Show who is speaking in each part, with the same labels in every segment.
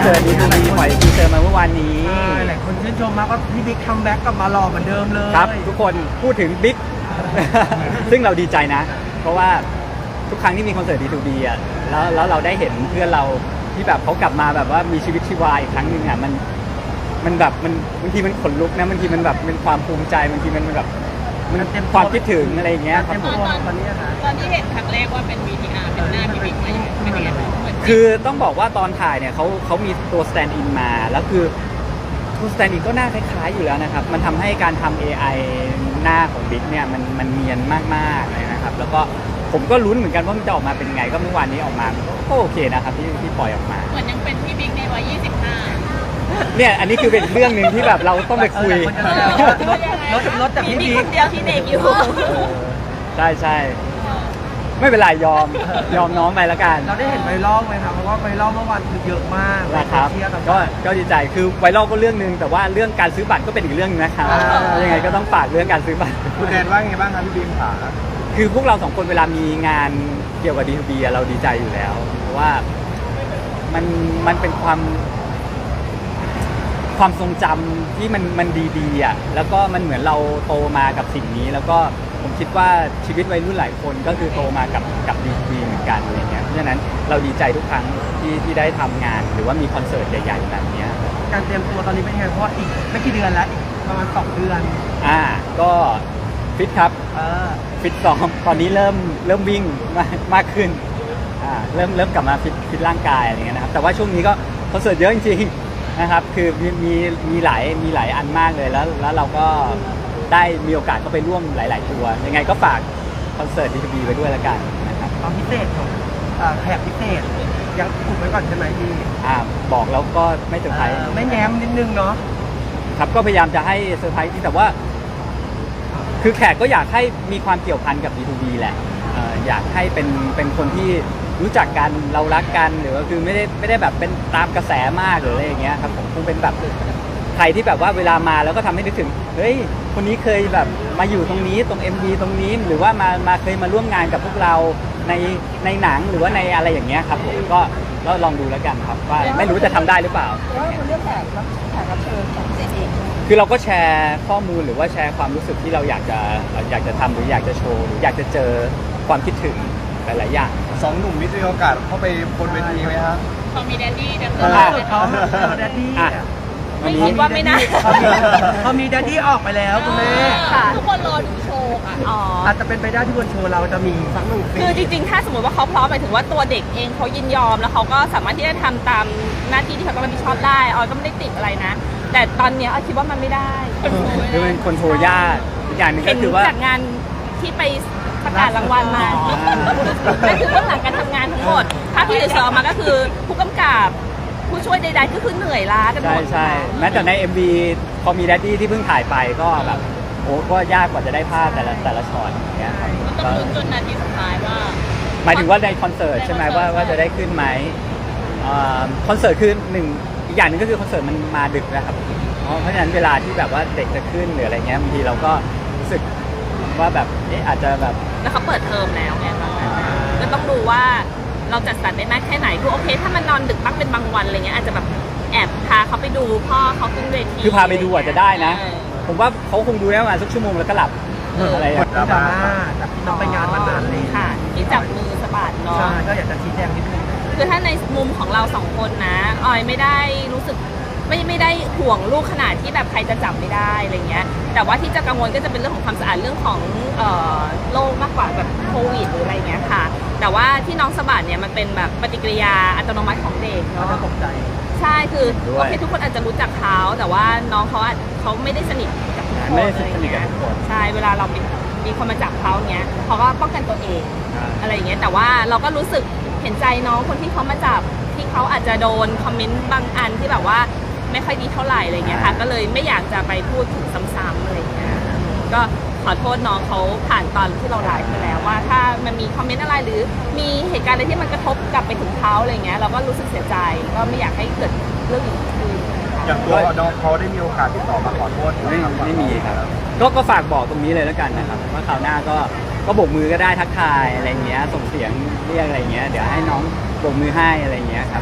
Speaker 1: สิร์ตดีปล่อยทีเซอร์มาเมื่อวานนี้
Speaker 2: หลายคนชื่นชมมากว่าพี่บิ๊กคัมแบ็กกลับมาหล่อเหมือนเดิมเลย
Speaker 1: ครับทุกคนพูดถึงบิ๊ก ซึ่งเราดีใจนะเพราะว่าทุกครั้งที่มีคอนเสิร์ต D2B อ่ะแล้วเราได้เห็นเพื่อนเราที่แบบเขากลับมาแบบว่ามีชีวิตชีวาอีกครั้งหนึ่งอ่ะมันแบบมันบางทีมันขนลุกนะบางทีมันแบบเป็นความภูมิใจบางทีมันแบบมันความคิดถึงอะไรอย่างเงี้ยครับผม
Speaker 3: ตอนที่เห็นครั้งแรกว่าเป็น VTR เป็นหน้าพี่บิ๊กเป็นยังไง
Speaker 1: คือต้องบอกว่าตอนถ่ายเนี่ยเขามีตัว stand in มาแล้วคือตัว stand in ก็หน้าคล้ายๆอยู่แล้วนะครับมันทำให้การทำ AI หน้าของบิ๊กเนี่ยมันเนียนมากๆเลยนะครับแล้วก็ผมก็ลุ้นเหมือนกันว่ามันจะออกมาเป็นไงก็เมื่อวานนี้ออกมาก็โอเคนะครับที่ปล่อยออกมา
Speaker 3: เหมือนยังเป็นพี่บิ๊กในวัย25
Speaker 1: เนี่ยอันนี้คือเป็นเรื่องหนึ่งที่แบบเราต้องไปคุย
Speaker 2: รถแต่พี่บิ๊ก
Speaker 3: คนเดียวที่เด็กอยู่
Speaker 1: ใช่ไม่เป็นไรยอมน้องไปแล้วกัน
Speaker 2: เราได้เห็นไวรัลไหมครับเพราะว่าไวรัลเมื่อวานคือเยอะมาก
Speaker 1: นะครับก็ดีใจคือไวรัลก็เรื่องนึงแต่ว่าเรื่องการซื้อบัตรก็เป็นอีกเรื่องนึงนะครับยังไงก็ต้องฝากเรื่องการซื้อบัตร
Speaker 4: คุณแดนว่าไงบ้างครับพี่บีมขา
Speaker 1: คือพวกเราสองคนเวลามีงานเกี่ยวกับ D2B เราดีใจอยู่แล้วเพราะว่ามันเป็นความทรงจำที่มันดีๆอ่ะแล้วก็มันเหมือนเราโตมากับสิ่งนี้แล้วก็ผมคิดว่าชีวิตวัยรุ่นหลายคนก็คือโตมากับ D2B เหมือนกันอะไรเงี้ยเพราะฉะนั้นเราดีใจทุกครั้งที่ได้ทำงานหรือว่ามีคอนเสิร์ตใหญ่ๆแบบนี้
Speaker 2: การเตรียมตัวตอนนี้เป็นไงเพราะว่าอีกไม่กี่เดือนแล้วอีกประมาณ2 เดือน
Speaker 1: ก็ฟิตครับฟิตซ้อมตอนนี้เริ่มวิ่งมากขึ้นเริ่มกลับมาฟิตร่างกายอะไรเงี้ยนะครับแต่ว่าช่วงนี้ก็คอนเสิร์ตเยอะจริงๆนะครับคือมีหลายอันมากเลยแล้วเราก็ได้มีโอกาสเข้าไปร่วมหลายๆตัวยังไงก็ฝากคอนเสิร์ต D2B ไว้ด้วยแล้วกันนะครับ
Speaker 2: ตอนพิเศษของแขกพิเศษยังอุบไว้ก่อนใช่ไหมพี่
Speaker 1: บอกแล้วก็ไม่เซอร์ไพรส์
Speaker 2: ไม่แง้มนิดนึงเนาะ
Speaker 1: ครับก็พยายามจะให้เซอร์ไพรส์ที่แต่ว่าคือแขกก็อยากให้มีความเกี่ยวพันกับ D2B แหละอยากให้เป็นคนที่รู้จักกันเรารักกันหรือว่าคือไม่ได้แบบเป็นตามกระแสมากหรืออะไรอย่างเงี้ยครับผมคงเป็นแบบใครที่แบบว่าเวลามาแล้วก็ทำให้นึกถึงเฮ้ยคนนี้เคยแบบมาอยู่ตรงนี้ตรง MV ตรงนี้หรือว่ามาเคยมาร่วมงานกับพวกเราในหนังหรือว่าในอะไรอย่างเงี้ยครับผมก็ลองดูแล้วกันครับว่าไม่รู้จะทำได้หรือเปล่า
Speaker 3: ว่าคนเลือกแขกรับเชิญของเจเอง
Speaker 1: คือเราก็แชร์ข้อมูลหรือว่าแชร์ความรู้สึกที่เราอยากจะทำหรืออยากจะโชว์หรืออยากจะเจอความคิดถึงหลายๆอย่าง
Speaker 4: 2 หนุ่มมีโอกาสเข้าไปบนเวทีไหมครับ
Speaker 3: เขามีแดดดี้ดัง
Speaker 2: เขาแดดดี้
Speaker 3: ไม่คิดว่าไม่น่า
Speaker 2: เขามีแดดดี้ออกไปแล้วคุณแม่
Speaker 3: ทุกคนรอดูโชว์ค่ะ
Speaker 2: อาจจะเป็นไปได้ที่บนโชว์เราจะมีสักหนึ่ง
Speaker 3: คือจริงๆถ้าสมมติว่าเขาพร้อมหมายถึงว่าตัวเด็กเองเขายินยอมแล้วเขาก็สามารถที่จะทำตามหน้าที่ที่เขาต้องรับผิดชอบได้ออยก็ไม่ได้ติดอะไรนะแต่ตอนนี้ออยคิดว่ามันไม่ได้
Speaker 1: คือเป็นคนโชว์ยากอีกอย่างนึงก็คือว่า
Speaker 3: จากงานที่ไปประกาศรางวัลมานั่นคือเบื้องหลังการทำงานทั้งหมดถ้าพี่จะสอบมาก็คือผู้กำกับผู้ช่วยใดๆก็คือเหนื่อยล้ากันหมด
Speaker 1: ใช่แม้แต่ใน MV พอมีแดดดี้ที่เพิ่งถ่ายไปก็แบบโอ้ก็ยากกว่าจะได้ภาพแต่ละช็อตอย่างเงี้ยครับ
Speaker 3: ต้องลุ้นจนนาทีสุดท้ายว่า
Speaker 1: หมายถึงว่าในคอนเสิร์ตใช่ไหมว่าจะได้ขึ้นไหมคอนเสิร์ตคืออีกอย่างหนึ่งก็คือคอนเสิร์ตมันมาดึกนะครับเพราะฉะนั้นเวลาที่แบบว่าเด็กจะขึ้นหรืออะไรเงี้ยบางทีเราก็รู้สึกว่าแบบอาจจะแบบ
Speaker 3: แล้วเขาเปิดเทอมแล้วไงก็ต้องดูว่าเราจัดสรรได้มากแค่ไหนคือโอเคถ้ามันนอนดึกบ้างเป็นบางวันอะไรเงี้ยอาจจะแบบแอบพาเขาไปดูพ่อเขาขึ้นเวที
Speaker 1: คือพาไปดูอาจจะได้นะผมว่าเขาคงดูได้ประมาณสักชั่วโมงแล้วก็หลับอะไรอย่างเงี้ย
Speaker 2: จากที่น้องไปงานมานานเลย
Speaker 3: ค่ะที่จับมือสะบัดเนาะ
Speaker 2: ใช่ก็อยากจะชี้แจงนิดนึง
Speaker 3: คือถ้าในมุมของเรา2 คนนะออยไม่ได้รู้สึกไม่ได้ห่วงลูกขนาดที่แบบใครจะจับไม่ได้อะไรเงี้ยแต่ว่าที่จะกังวลก็จะเป็นเรื่องของความสะอาดเรื่องของโรคมากกว่าแบบโควิดหรืออะไรเงี้ยค่ะแต่ว่าที่น้องสะบัดเนี่ยมันเป็นแบบปฏิกิริยาอัตโนมัติของเด็ก
Speaker 2: เนาะตกใจ
Speaker 3: ใช่คือโอเคทุกคนอาจจะรู้จักเขาแต่ว่าน้องเขาไม่ได้สนิทกับทุกคนอะไรเงี้ยใช่เวลาเรามีคนมาจับเขาเงี้ยเขาก็ป้องกันตัวเองอะไรเงี้ยแต่ว่าเราก็รู้สึกเห็นใจน้องคนที่เขามาจับที่เขาอาจจะโดนคอมเมนต์บางอันที่แบบว่าไม่ค่อยดีเท่าไหร่อะไรเงี้ยค่ะก็เลยไม่อยากจะไปพูดถึงซ้ำๆอะไรเงี้ยก็ขอโทษน้องเขาผ่านตอนที่เราไลฟ์ไปแล้วว่าถ้ามันมีคอมเมนต์อะไรหรือมีเหตุการณ์อะไรที่มันกระทบกลับไปถึงเขาอะไรเงี้ยเราก็รู้สึกเสียใจก็ไม่อยากให้เกิดเรื่องอย่างนี้ขึ้น
Speaker 4: อย่างตัวน้องเขาได้มีโอกาสติดต่อมาขอโทษ
Speaker 1: ไม่มีครับก็ฝากบอกตรงนี้เลยแล้วกันนะครับว่าคราวหน้าก็โบกมือก็ได้ทักทายอะไรเงี้ยส่งเสียงเรียกอะไรเงี้ยเดี๋ยวให้น้องโบกมือให้อะไรเงี้ยครับ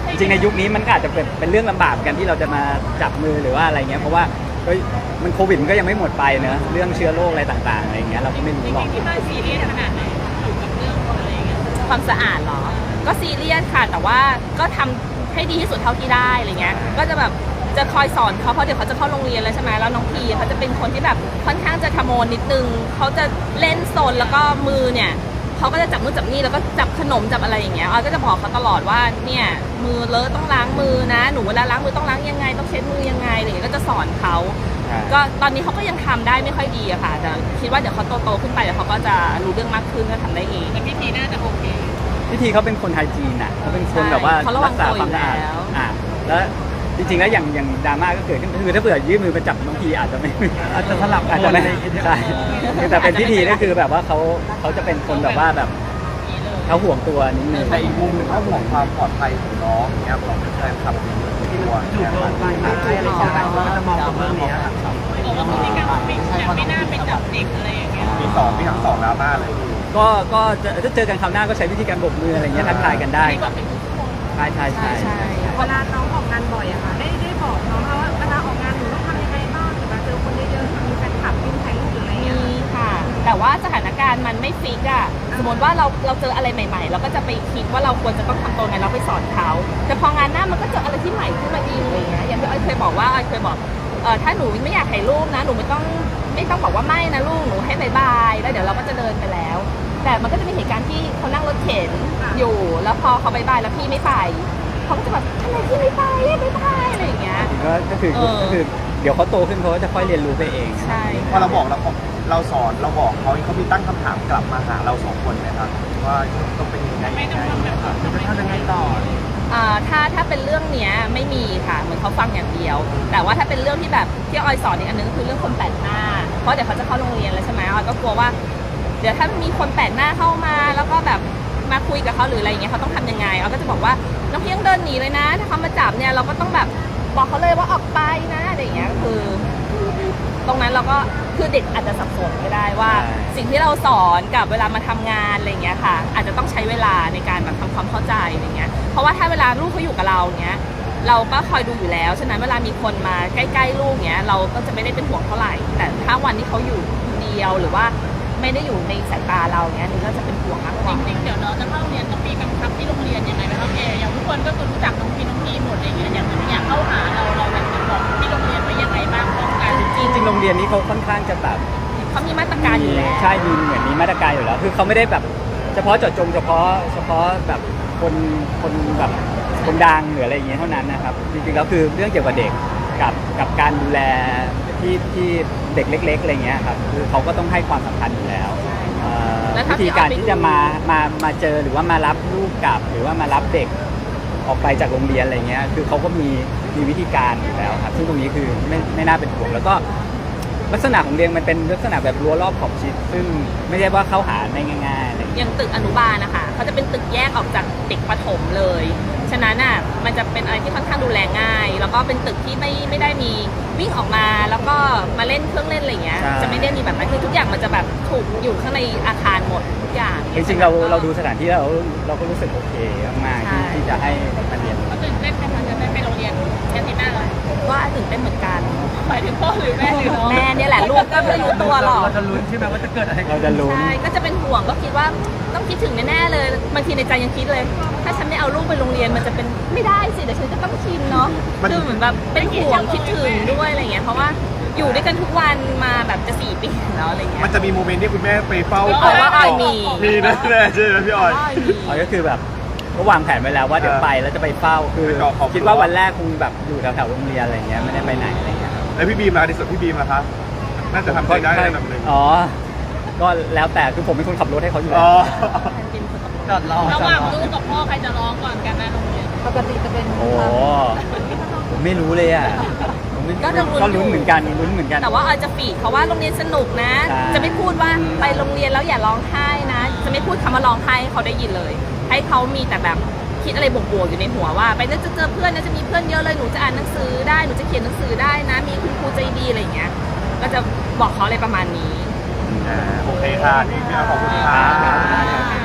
Speaker 1: จริงในยุคนี้มันก็อาจจะเป็นเรื่องลำบากเหมือนกันที่เราจะมาจับมือหรือว่าอะไรเงี้ยเพราะว่าเฮ้ยมันโควิดมันก็ยังไม่หมดไปเนอะเรื่องเชื้อโรคอะไรต่างๆอะไรเงี้ยเราก็ไม่รู้หรอก
Speaker 3: ที่บ้านซีเรียสขนาดไหนอยู่กับเรื่องอะไรอย่างเงี้ยความสะอาดเหรอก็ซีเรียสค่ะแต่ว่าก็ทำให้ดีที่สุดเท่าที่ได้อะไรเงี้ยก็จะแบบจะคอยสอนเขาเพราะเดี๋ยวเขาจะเข้าโรงเรียนแล้วใช่ไหมแล้วน้องพีเขาจะเป็นคนที่แบบค่อนข้างจะขโมยนิดนึงเขาจะเล่นโซนแล้วก็มือเนี่ยเขาก็จะจับนู่นจับนี่แล้วก็จับขนมจับอะไรอย่างเงี้ยออยก็จะบอกเขาตลอดว่าเนี่ยมือเลอะต้องล้างมือนะหนูเวลาล้างมือต้องล้างยังไงต้องเช็ดมือยังไงอะไรอย่างเงี้ยก็จะสอนเขาก็ตอนนี้เขาก็ยังทำได้ไม่ค่อยดีอะค่ะแต่คิดว่าเดี๋ยวเขาโตขึ้นไปเดี๋ยวเขาก็จะรู้เรื่องมากขึ้นก็ทำได้เองแต่พี่พีน่าจะโอเค
Speaker 1: พิธีเขาเป็นคนไทยจีนน่ะเขาเป็นคนแบบว่า
Speaker 3: เขาระวั
Speaker 1: รั
Speaker 3: ง
Speaker 1: กษา
Speaker 3: ตัว
Speaker 1: ความสะอาด
Speaker 3: อยู่แล้ว
Speaker 1: แล้วจริงๆแล้วอย่างดราม่าก็เกิดขึ้นคือถ้าเผื่อยื่นมือไปจับน้องพีอาจจะไม่
Speaker 2: อาจจะสลับ
Speaker 1: อาจจะไม่ใช่แต่เป็นพิธีก็คือแบบว่าเขาจะเป็นคนแบบว่าแบบเขาห่วงตัวนิดนึง
Speaker 4: แต่อีกมุมหนึงเขาห่วงความปลอดภัยของน้องเนี่ยของแฟนคลับที่ตัว
Speaker 2: ถู
Speaker 4: เนี่
Speaker 2: ก
Speaker 4: ย
Speaker 2: ลงไปไม่ใช่อะไรอย่างเงี้ยเราก็จะมองตรงเรื่องนี้ครับ
Speaker 3: บอกว่าพฤติกรรมไม่น่าไปจับเด็กอะไรอย่างเงี้ย
Speaker 4: มีทั้งสองดราม่าเลย
Speaker 1: ก็จะเจอกันคราวหน้าก็ใช้วิธีการโบกมืออะไรเงี้ยทักทายกันได้ครับใช่
Speaker 5: เวลาน้องออกงานบ่อยอะค่ะได้บอกน้องว่าเวลาออกงานหนูต้องทำยังไงบ้างหรือว่าเจอคนเยอะๆมีแฟนคลับวิ่งถ่ายรูปหรืออะไรเงี้ย
Speaker 3: มีค่ะ แต่ว่าสถานการณ์มันไม่ฟิกอะสมมติว่าเราเจออะไรใหม่ๆ เราก็จะไปคิดว่าเราควรจะต้องทำตัวไงเราไปสอนเขาแต่พองานหน้ามันก็เจออะไรที่ใหม่ขึ้นมาอีกอะไรเงี้ยอย่างที่อ้อยเคยบอกว่าอ้อยเคยบอกถ้าหนูไม่อยากถ่ายรูปนะหนูไม่ต้องบอกว่าไม่นะลูกหนูให้บายแล้วเดี๋ยวเราก็จะเดินไปแล้ว แต่มันก็จะมีเหตุการณ์ที่เขานั่งรถเข็นอยู่แล้วพอเขาบายแล้วพี่ไม่ไปเขาก็จะแบบทำไมพี่ไม่ไปอะไรอย่างเงี้ย
Speaker 1: ก็คือเดี๋ยวเขาโตขึ้นเขาก็จะค่อยเรียนรู้ไปเอง
Speaker 3: ใช่
Speaker 4: พอเราบอกเราสอนเราบอกเขามีตั้งคำถามกลับมาหาเราสองคนไหมครับว่าต้องเป็นยังไง
Speaker 2: จะทำยังไงต่อ
Speaker 3: ถ้าเป็นเรื่องเนี้ยไม่มีค่ะเหมือนเขาฟังอย่างเดียว แต่ว่าถ้าเป็นเรื่องที่แบบที่ออยสอนอีกอันนึงก็คือเรื่องคนแปลกหน้าเพราะเดี๋ยวเขาจะเข้าโรงเรียนแล้วใช่ไหมออยก็กลัวว่าเดี๋ยวถ้ามีคนแปลกหน้าเข้ามาแล้วก็แบบมาคุยกับเขาหรืออะไรอย่างเงี้ยเขาต้องทำยังไงออยก็จะบอกว่าน้องเพียงเดินหนีเลยนะถ้าเขามาจับเนี่ยเราก็ต้องแบบบอกเขาเลยว่าออกไปนะอะไรอย่างเงี้ยคือตรงนั้นเราก็คือเด็กอาจจะสับสนก็ได้ว่าสิ่งที่เราสอนกับเวลามาทำงานอะไรอย่างเงี้ยค่ะอาจจะต้องใช้เวลาในการแบบทำความเข้าใจอะไรเงี้ยเพราะว่าถ้าเวลาลูกเขาอยู่กับเราเนี้ยเราก็คอยดูอยู่แล้วฉะนั้นเวลามีคนมาใกล้ๆลูกเนี้ยเราก็จะไม่ได้เป็นห่วงเท่าไหร่แต่ถ้าวันที่เขาอยู่คนเดียวหรือว่าไม่ได้อยู่ในสายตาเราเนี้ยนี่ก็จะเป็นห่วงมากกว่าจริงๆเดี๋ยวน้องจะเข้าเรียนต้องมีกำชับที่โรงเรียนยังไงนะครับอย่างทุกคนก็คือรู้จักน้องพีหมดอะไรเงี้ยอย่างเข้าหาเราแบบบอกที่โรงเรียนไปยังไงบ้างป้องกัน
Speaker 1: จริงๆโรงเรียนนี้เขาค่อนข้างจะแบบ
Speaker 3: เขามีมาตรการอยู่แล้ว
Speaker 1: ใช่มีเหมือนมีมาตรการอยู่แล้วคือเขาไม่ได้แบบเฉพาะเจาะจงเฉพาะแบบคนแบบคนดังหรืออะไรอย่างเงี้ยเท่านั้นนะครับจริงๆแล้วคือเรื่องเกี่ยวกับเด็กกับการดูแลที่เด็กเล็กๆอะไรเงี้ยครับคือเขาก็ต้องให้ความสำคัญอยู่แล้ววิธีการที่จะมาเจอหรือว่ามารับลูกกลับหรือว่ามารับเด็กออกไปจากโรงเรียนอะไรเงี้ยคือเขาก็มีวิธีการอยู่แล้วครับซึ่งตรงนี้คือไม่น่าเป็นห่วงแล้วก็ลักษณะของเรียนมันเป็นลักษณะแบบรั้วรอบขอบชิดซึ่งไม่ใช่ว่าเข้าหาได้ง่ายๆอะไรอย่างเงี้ย
Speaker 3: อย่างตึกอนุบาลนะคะเขาจะเป็นตึกแยกออกจากเด็กประถมเลยฉะนั้นอ่ะมันจะเป็นอะไรที่ค่อนข้างดูแลง่าย แล้วก็เป็นตึกที่ไม่ได้มีวิ่งออกมาแล้วก็มาเล่นเครื่องเล่นอะไรอย่างเงี้ยจะไม่ได้มีแบบนั้นคือทุกอย่างมันจะแบบถูกอยู่ข้างในอาคารหมดทุกอย่าง
Speaker 1: จริงๆเราดูสถานที่แล้วเราก็รู้สึกโอเคมากๆที่จะให้มาเรียน
Speaker 3: ก็ตื่นเต้นไหมคะจะได้ไปโรงเรียนอาทิตย์หน้าเลยว่าตื่นเต้นเหมือนกันหมายถึงพ่อหรือแม่หรือน้องแม่เนี่ยแหละลูกก็ไม่รู้ตัวหรอก
Speaker 2: เราจะลุ้นใช่ไหมว่าจะเกิดอะไรขึ้น
Speaker 1: เราจะลุ้น
Speaker 3: ใช่ก็จะเป็นห่วงก็คิดว่าต้องคิดถึงแน่ๆเลยบางทีในใจยังคิดเลย ถ้าฉันไม่เอาลูกไปโรงเรียนมันจะเป็นไม่ได้สิเดี๋ยวฉันก็ต้องชินเนาะคือเหมือนแบบเป็นห่วงคิดถึงด้วยอะไรเงี้ยเพราะว่าอยู่ด้วยกันทุกวันมาแบบจะ4 ปีแล้วอะไรเงี้ย
Speaker 4: มันจะมีโมเมนต์ที่คุณแม่ไปเฝ้า
Speaker 3: ว่าออยมี
Speaker 4: แน่ๆใช่ไหมพี่ออย
Speaker 1: อ๋อก็คือแบบก็วางแผนไว้แล้วว่าเดี๋ยวไปแล้วจะไปเฝ้าคือ
Speaker 4: ไปรอครอบครัว
Speaker 1: คิดว่าวันแรกคงแบบอยู่แถวๆโรงเรียนอะไรเงี้ยไม่ได้ไปไหนอะไรเงี้ย
Speaker 4: แล้วพี่บีมล่ะในส่วนพี่บีมล่ะครับน่าจะทำใจได้ระดับหนึ่ง
Speaker 1: อ๋อก็แล้วแต่คือผมเป็นคนขับรถให้เขาอยู่แล้
Speaker 4: อ๋
Speaker 1: ว
Speaker 4: อ
Speaker 2: จอดรอ
Speaker 3: ระหว่างลูกกับพ่อใครจะร้องก่อนกันนะโรงเรียน
Speaker 5: ปกติจะเป็น
Speaker 1: โอ้ผมไม่รู้เลยอ่ะผมไม่
Speaker 3: ก็จะลุ้น
Speaker 1: ก็ลุ้นเหมือนกันลุ้นเหมือนกัน
Speaker 3: แต่ว่าออยจะฟีดเขาว่าโรงเรียนสนุกนะ
Speaker 1: ใช่
Speaker 3: จะไม่พูดว่าไปโรงเรียนแล้วอย่าร้องไห้นะ จะไม่พูดคำว่าร้องไห้ให้เขาได้ยินเลย ให้เขามีแต่แบบคิดอะไรบวกๆอยู่ในหัวว่า ไปแล้วจะเจอเพื่อนนะจะมีเพื่อนเยอะเลยหนูจะอ่านหนังสือได้หนูจะเขียนหนังสือได้นะ มีคุณครูใจดีอะไรอย่างเงี้ยก็จะบอกเขาอะไรประมาณนี้
Speaker 4: โอเคค่ะพี่บีมขอบคุณค่ะ